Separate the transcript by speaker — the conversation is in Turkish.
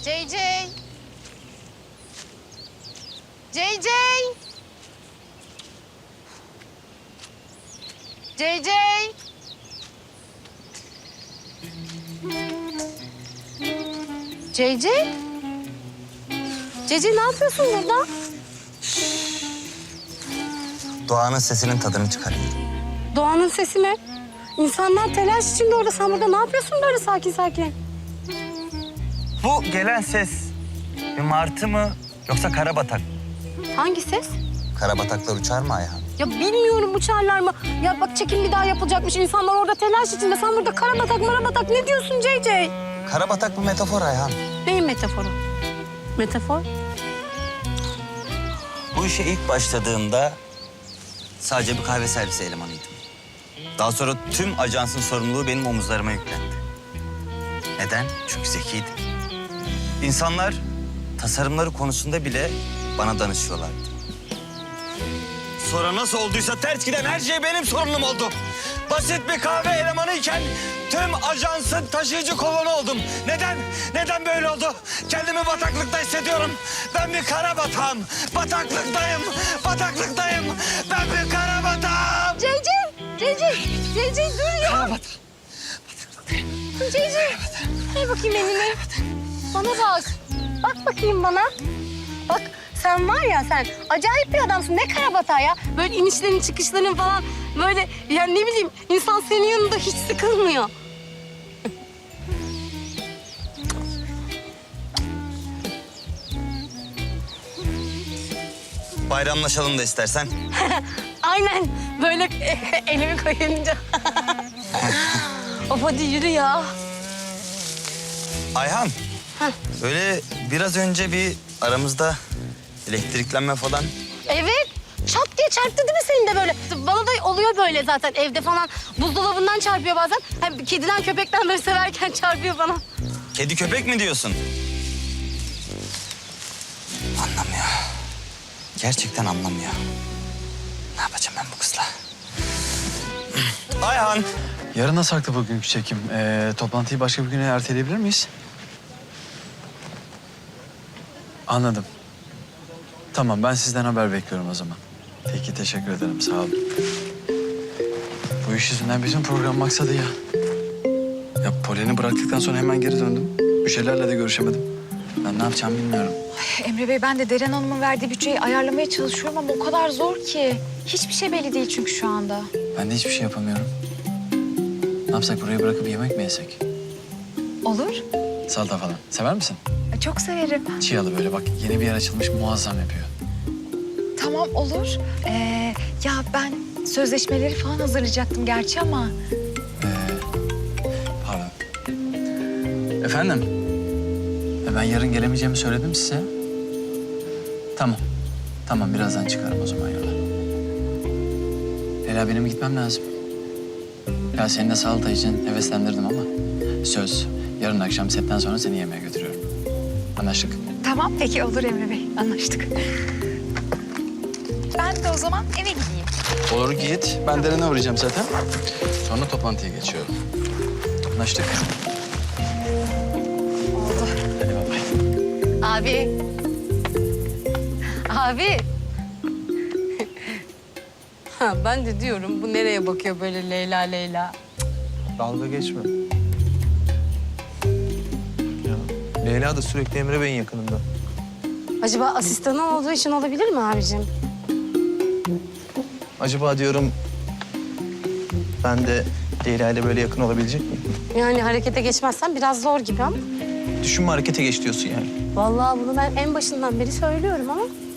Speaker 1: JJ. JJ. JJ. JJ. JJ ne yapıyorsun burada?
Speaker 2: Doğanın sesinin tadını çıkarayım.
Speaker 1: Doğanın sesi mi? İnsanlar telaş içinde orada. Sen burada ne yapıyorsun böyle sakin sakin?
Speaker 2: Bu gelen ses bir martı mı yoksa karabatak?
Speaker 1: Hangi ses?
Speaker 2: Karabataklar uçar mı Ayhan?
Speaker 1: Ya bilmiyorum uçarlar mı? Ya bak çekim bir daha yapılacakmış. İnsanlar orada telaş içinde. Sen burada karabatak marabatak ne diyorsun JJ?
Speaker 2: Karabatak bir metafor Ayhan.
Speaker 1: Neyin metaforu? Metafor?
Speaker 2: Bu işe ilk başladığımda sadece bir kahve servisi elemanıydım. Daha sonra tüm ajansın sorumluluğu benim omuzlarıma yüklendi. Neden? Çünkü zekiydim. İnsanlar tasarımları konusunda bile bana danışıyorlardı. Sonra nasıl olduysa ters giden her şey benim sorunum oldu. Basit bir kahve elemanıyken tüm ajansın taşıyıcı kovanı oldum. Neden? Neden böyle oldu? Kendimi bataklıkta hissediyorum. Ben bir kara batağım. Bataklıktayım. Bataklıktayım. Ben bir kara batağım.
Speaker 1: JJ dur ya.
Speaker 2: Kara batağım.
Speaker 1: JJ. Ver bakayım elini. Bana bak. Bak bakayım bana. Bak sen var ya sen acayip bir adamsın. Ne karabatağı ya. Böyle inişlerin çıkışların falan böyle yani ne bileyim insan senin yanında hiç sıkılmıyor.
Speaker 2: Bayramlaşalım da istersen.
Speaker 1: Aynen böyle elimi koyunca. Of hadi yürü ya.
Speaker 2: Ayhan. Böyle biraz önce bir aramızda elektriklenme falan.
Speaker 1: Evet. Çat diye çarptı değil mi senin de böyle? Bana da oluyor böyle zaten evde falan. Buzdolabından çarpıyor bazen. Hem kediden köpekten böyle severken çarpıyor bana.
Speaker 2: Kedi köpek mi diyorsun? Anlamıyor. Gerçekten anlamıyor. Ne yapacağım ben bu kızla? Ayhan.
Speaker 3: Yarına saklı bugünkü çekim. Toplantıyı başka bir güne erteleyebilir miyiz? Anladım. Tamam, ben sizden haber bekliyorum o zaman. Peki, teşekkür ederim. Sağ olun. Bu iş yüzünden bütün program maksadı ya. Ya Polen'i bıraktıktan sonra hemen geri döndüm. Müşterilerle de görüşemedim. Ben ne yapacağımı bilmiyorum.
Speaker 4: Emre Bey, ben de Deren Hanım'ın verdiği bütçeyi ayarlamaya çalışıyorum ama o kadar zor ki. Hiçbir şey belli değil çünkü şu anda.
Speaker 3: Ben de hiçbir şey yapamıyorum. Ne yapsak, burayı bırakıp yemek mi yesek?
Speaker 4: Olur.
Speaker 3: Salata falan. Sever misin?
Speaker 4: Çok severim.
Speaker 3: Çiğalı böyle bak, yeni bir yer açılmış, muazzam yapıyor.
Speaker 4: Tamam, olur. Ya ben sözleşmeleri falan hazırlayacaktım gerçi ama...
Speaker 3: Pardon. Efendim? Ben yarın gelemeyeceğimi söyledim size. Tamam. Tamam, birazdan çıkarım o zaman yola. Leyla, benim gitmem lazım. Ya seni de salata için heveslendirdim ama... söz, yarın akşam setten sonra seni yemeğe götürüyorum. Anlaştık.
Speaker 4: Tamam, peki olur Emre Bey. Anlaştık. Ben de o zaman eve gideyim.
Speaker 3: Olur, git. Ben Deren'e uğrayacağım zaten. Sonra toplantıya geçiyorum. Anlaştık.
Speaker 4: Oldu.
Speaker 3: Hadi bay bay.
Speaker 1: Abi. Abi. Ha, ben de diyorum bu nereye bakıyor böyle Leyla Leyla.
Speaker 5: Dalga geçme. Ya, Leyla da sürekli Emre Bey'in yakınında.
Speaker 1: Acaba asistanı olduğu için olabilir mi abicim?
Speaker 5: Acaba diyorum ben de Leyla ile böyle yakın olabilecek miyim?
Speaker 1: Yani harekete geçmezsen biraz zor gibi ama.
Speaker 5: Düşünme, harekete geç diyorsun yani.
Speaker 1: Vallahi bunu ben en başından beri söylüyorum ama.